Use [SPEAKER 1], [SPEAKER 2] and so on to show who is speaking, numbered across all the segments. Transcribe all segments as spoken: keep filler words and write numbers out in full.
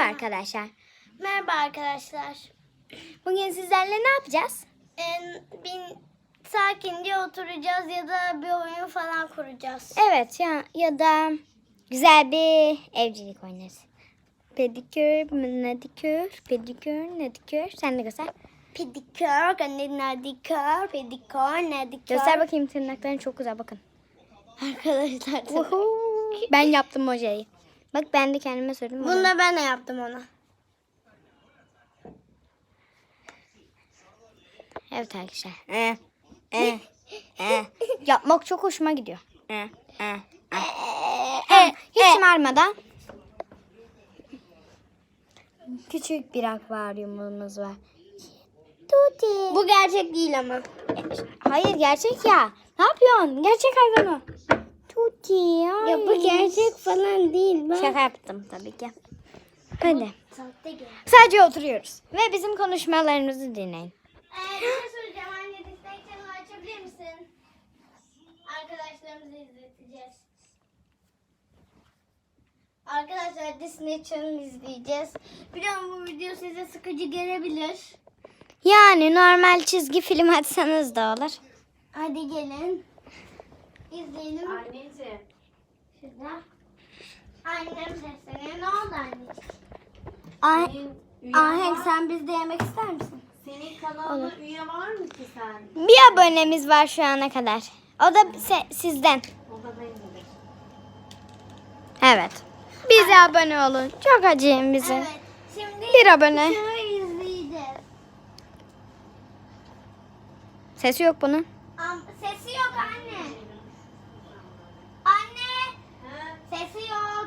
[SPEAKER 1] arkadaşlar.
[SPEAKER 2] Merhaba arkadaşlar.
[SPEAKER 1] Bugün sizlerle ne yapacağız?
[SPEAKER 2] Ee, bin, sakince oturacağız ya da bir oyun falan kuracağız.
[SPEAKER 1] Evet ya ya da güzel bir evcilik oynarız. Pedikür, medikür, pedikür, nedikür. Sen de göster.
[SPEAKER 2] Pedikür, nedikür, pedikür, nedikür.
[SPEAKER 1] Göster bakayım, tırnakların çok güzel, bakın.
[SPEAKER 2] Arkadaşlar.
[SPEAKER 1] Woohoo. Ben yaptım hocayı. Bak ben de kendime söyledim.
[SPEAKER 2] Bunu da ben de yaptım ona.
[SPEAKER 1] Evet arkadaşlar. Ee, ee, ee. Yapmak çok hoşuma gidiyor. Ee, ee, ee. Ee, hiç şımarmadan. Küçük bir akvaryumumuz var. Tuti.
[SPEAKER 2] Bu gerçek değil ama.
[SPEAKER 1] Hayır, gerçek ya. Ne yapıyorsun? Gerçek hayvan o. Tuti.
[SPEAKER 2] Ya bu gerçek falan değil. Ben...
[SPEAKER 1] Şaka yaptım tabii ki. Hadi.
[SPEAKER 2] Sahte gerçek.
[SPEAKER 1] Sadece oturuyoruz. Ve bizim konuşmalarımızı dinleyin.
[SPEAKER 2] Ee, bir şey söyleyeceğim. Anne Disney Channel açabilir misin? Arkadaşlarımızı izleteceğiz. Arkadaşlar Disney Channel izleyeceğiz. Biliyorum bu video size sıkıcı gelebilir.
[SPEAKER 1] Yani normal çizgi film açsanız da olur.
[SPEAKER 2] Hadi gelin. İzleyelim.
[SPEAKER 3] Anneciğim.
[SPEAKER 2] Şurada. Annem sesleniyor. Ne oldu anneciğim?
[SPEAKER 1] Ay,
[SPEAKER 3] Senin üye
[SPEAKER 2] Ahenk
[SPEAKER 3] var,
[SPEAKER 2] sen bizde yemek ister misin?
[SPEAKER 3] senin kanalında üye var mı ki sen?
[SPEAKER 1] bir abonemiz var şu ana kadar. O da se- sizden.
[SPEAKER 3] O da benimdir.
[SPEAKER 1] Evet. Bize abone olun. Çok acıyın bize.
[SPEAKER 2] Evet. Şimdi
[SPEAKER 1] Bir abone.
[SPEAKER 2] şunu izleyeceğiz.
[SPEAKER 1] Sesi yok bunun.
[SPEAKER 2] Am sesi yok anne. Anne.
[SPEAKER 3] Ha?
[SPEAKER 2] Sesi yok.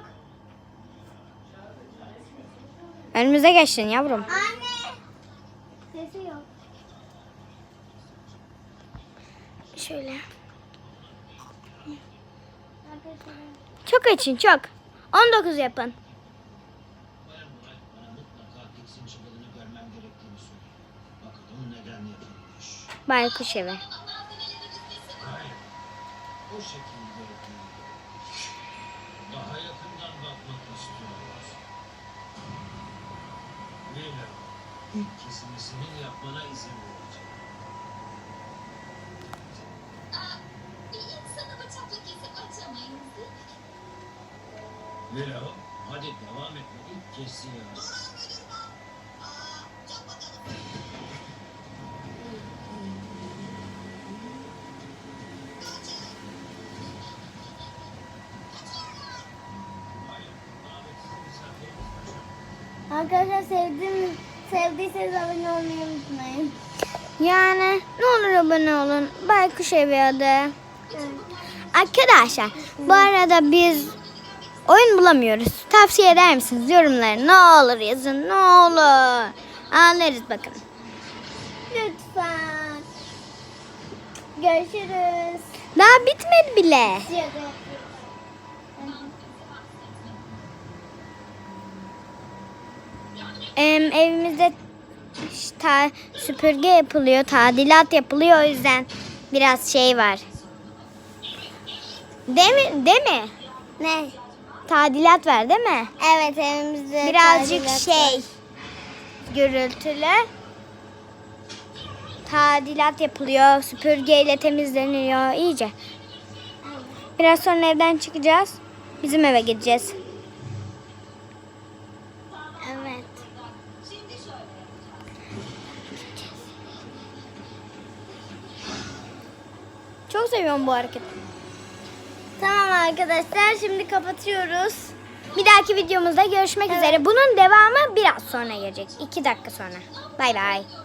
[SPEAKER 1] Önümüze geçtin yavrum.
[SPEAKER 2] Anne. Sesi yok.
[SPEAKER 1] Şöyle.
[SPEAKER 2] Arkadaşlar.
[SPEAKER 1] Çok açın, çok. on dokuz yapın.
[SPEAKER 4] Bayan Murat bana mutlaka Dix'in çıbalını görmem gerektiğini söyledi. Bakalım neden yapılmış.
[SPEAKER 1] Baykuş evi.
[SPEAKER 4] Hayır. O şekilde değil. Daha yakından bakmak istiyorlar. Leyla, ilk kesimini yapmana izin vereceğim.
[SPEAKER 5] Bir insanı bıçakla kesip açamayız değil mi?
[SPEAKER 4] Leyla, hadi devam etme. İlk kesi yap. Hayır, davetsiz misafirimiz kaçar.
[SPEAKER 2] Arkadaşlar sevdim, sevdiyseniz abone olmayı unutmayın.
[SPEAKER 1] Yani ne olur abone olun. Baykuş evi adı. Arkadaşlar bu arada biz oyun bulamıyoruz. Tavsiye eder misiniz? Yorumları ne olur yazın. Ne olur. Anlarız bakın.
[SPEAKER 2] Lütfen. Görüşürüz.
[SPEAKER 1] Daha bitmedi bile.
[SPEAKER 2] Şaka yapıyorum.
[SPEAKER 1] Em, evimizde ta, süpürge yapılıyor. Tadilat yapılıyor. O yüzden biraz şey var. Değil mi? Değil mi?
[SPEAKER 2] Ne?
[SPEAKER 1] Tadilat var değil mi?
[SPEAKER 2] Evet evimizde
[SPEAKER 1] Birazcık
[SPEAKER 2] tadilat
[SPEAKER 1] şey
[SPEAKER 2] var.
[SPEAKER 1] gürültülü. Tadilat yapılıyor. Süpürgeyle temizleniyor iyice. Biraz sonra evden çıkacağız. Bizim eve gideceğiz.
[SPEAKER 2] Evet.
[SPEAKER 1] Çok seviyorum bu hareketi.
[SPEAKER 2] Tamam arkadaşlar şimdi kapatıyoruz.
[SPEAKER 1] Bir dahaki videomuzda görüşmek üzere. Bunun devamı biraz sonra gelecek. iki dakika sonra. Bay bay.